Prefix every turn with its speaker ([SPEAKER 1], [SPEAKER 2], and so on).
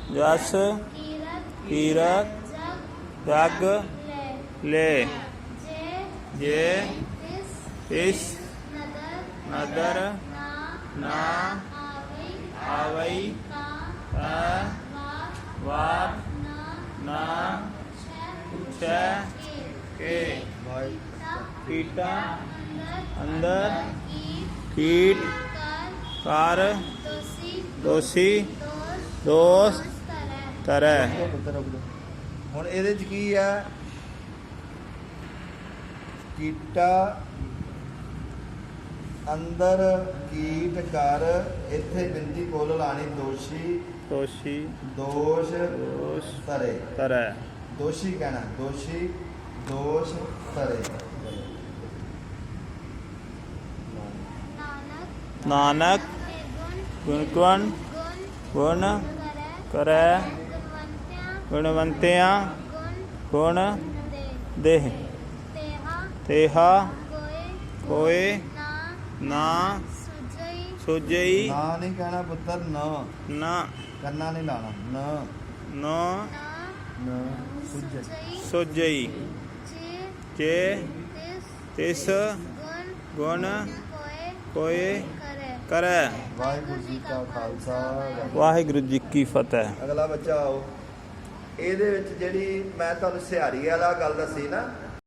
[SPEAKER 1] जस कीरत जग ले जे इस नदर ना आवई वाप ना छ के कीटा अंदर कीट कर दोषी दोष तरह।
[SPEAKER 2] ਹੁਣ ਇਹਦੇ ਚ ਕੀ ਆ ਕੀਟਾ अंदर कीट कर इत्थे बिंदी कोल लानी दोषी
[SPEAKER 1] दोषी
[SPEAKER 2] दोष
[SPEAKER 1] दोष
[SPEAKER 2] तरे
[SPEAKER 1] तरह
[SPEAKER 2] दोषी कहना दोषी दोष तरे।
[SPEAKER 1] नानक गुण गुण गुण करे गुणवंतिया गुण देह तेहा कोई ना सुजई
[SPEAKER 2] ना नहीं कहना पुत्र न
[SPEAKER 1] ना
[SPEAKER 2] करना नहीं लाना न
[SPEAKER 1] नो
[SPEAKER 2] न सुजई
[SPEAKER 1] सुजई जे तिस गुण कोई करे।
[SPEAKER 2] वाहिगुरु जी का खालसा
[SPEAKER 1] वाहिगुरु जी की फतेह।
[SPEAKER 2] अगला बच्चा आओ। ਇਹਦੇ ਵਿੱਚ ਜਿਹੜੀ ਮੈਂ ਤੁਹਾਨੂੰ ਸਿਹਾਰੀ ਵਾਲਾ ਗੱਲ ਦੱਸੀ ਨਾ